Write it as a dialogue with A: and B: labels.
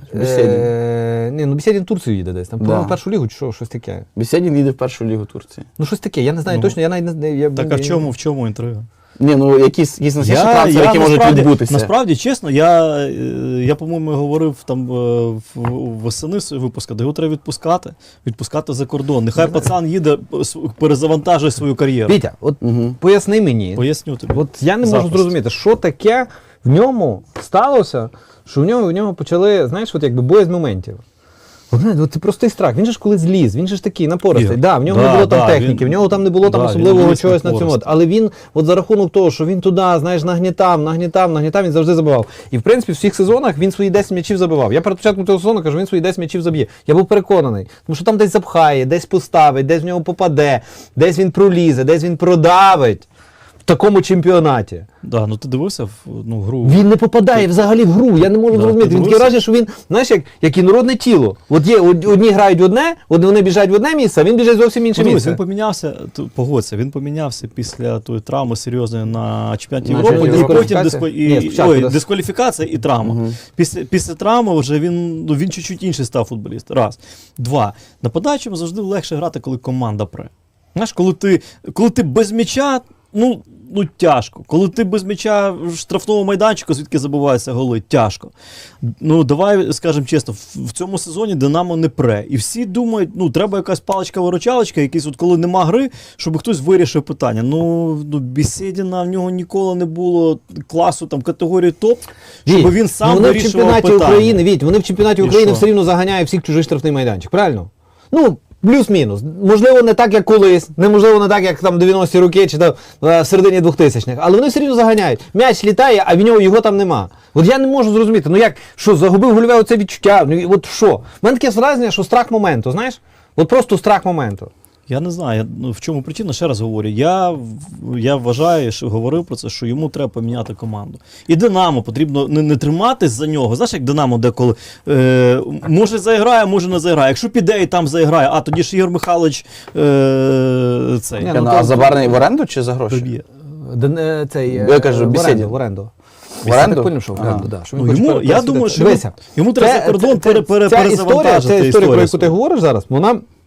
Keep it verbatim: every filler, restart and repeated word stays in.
A: Беседін.
B: Е, ні, ну Беседін в Турцію їде десь. Там,
A: Да.
B: по-моєму, в першу лігу чи що, щось таке.
A: Беседін їде в першу лігу Турції.
B: Ну щось таке, я не знаю
C: Ну,
B: точно, я навіть не... Я,
C: Так а в чому, в чому інтрига?
A: Ні, ну якісь, якісь насічні трансфери, які можуть
C: насправді,
A: відбутися.
C: насправді, чесно, я, е, я по-моєму, говорив там е, в- восени свого випуску, де його треба відпускати, відпускати за кордон. Нехай пацан їде, с- перезавантажує свою кар'єру.
B: Вітя, от
A: Угу.
B: поясни мені,
C: Поясню тобі.
B: от я не можу
C: Запросто.
B: зрозуміти, що таке в ньому сталося, що в нього, в нього почали, знаєш, от якби боязь моментів. От, знаєте, от це простий страх. Він же ж коли зліз, він же ж такий напористий.
C: Ігор,
B: Да, в нього
C: да,
B: не було там
C: да,
B: техніки,
C: він-
B: в нього там не було там
C: да, він
B: особливого
C: ліз
B: чогось на цьому.
C: напористий.
B: Але він, от за рахунок того, що він туди, знаєш, нагнітав, нагнітав, нагнітав, він завжди забивав. І в принципі в всіх сезонах він свої десять м'ячів забивав. Я перед початком цього сезону кажу, він свої десять м'ячів заб'є. Я був переконаний, тому що там десь запхає, десь поставить, десь в нього попаде, десь він пролізе, десь він продавить. В такому чемпіонаті.
C: Да, ну ти дивився в ну, гру?
B: Він не попадає взагалі в гру. Я не можу
C: Да,
B: зрозуміти.
C: ти
B: Він таке
C: дивився?
B: враження, що він, знаєш, як, як інородне тіло. От є од- одні грають в одне, от вони біжать в одне місце, а він біжить зовсім в інше
C: Подивись,
B: місце.
C: він помінявся, т- погодься, він помінявся після тої травми серйозної на чемпіонаті
B: На
C: Європи,
B: чемпіонаті
C: і потім
B: Європи.
C: диско... і...
B: Ні, спочатку
C: Ой,
B: дис-
C: дискваліфікація і травма.
A: Мгм.
C: Після, після травми вже він, ну, він чуть-чуть інший став футболіст. Раз. Два. Нападаючим завжди легше грати, коли команда пре. Знаєш, коли ти, коли ти без м'яча, ну, ну тяжко. Коли ти без м'яча в штрафному майданчику, звідки забиваються голи, тяжко. Ну, давай скажемо чесно, в, в цьому сезоні Динамо не пре. І всі думають, ну, треба якась паличка-виручалочка, якийсь, от коли нема гри, щоб хтось вирішив питання. Ну, ну Беседіна, в нього ніколи не було класу, там, категорії топ, щоб
B: Віть,
C: він сам
B: ну, вони в
C: вирішував
B: чемпіонаті
C: питання.
B: України, Віть, вони в чемпіонаті
C: І
B: України
C: що?
B: все рівно заганяють всіх чужий штрафний майданчик, правильно? Ну, плюс-мінус. Можливо, не так, як колись, неможливо, не так, як там дев'яності роки чи там е, в середині двохтисячних, але вони все рівно заганяють. М'яч літає, а в нього його там нема. От я не можу зрозуміти, ну як, що, загубив гольове оце відчуття, ну і от що? У мене таке враження, що страх моменту, знаєш? От просто страх моменту.
C: Я не знаю, я, ну, в чому причина, ще раз говорю. Я, в- я вважаю, що говорив про це, що йому треба поміняти команду. І Динамо потрібно не, не триматись за нього. Знаєш, як Динамо деколи е, може заіграє, може не заіграє. Якщо піде і там заіграє, а тоді ж Ігор Михайлович е, цей
B: Ні,
A: Ну,
B: ну,
A: а
B: то-
A: Забарний в оренду чи за гроші?
C: доб'є.
B: Ден- е, Цей, е,
A: Я кажу,
B: в
A: Беседін.
B: оренду, в оренду.
A: В оренду?
B: Я так поняв, що в
A: Ага.
B: оренду, да, що він
C: Ну,
B: хоче
C: йому,
B: пере-
C: я
B: пересидіти.
C: думаю, що йому,
B: Дивися,
C: йому треба
B: це-
C: за кордон
B: це-
C: пере, пере,
B: ця історія,
C: перезавантажити
B: ця історія, про яку ти
C: свою.
B: говориш зараз, вона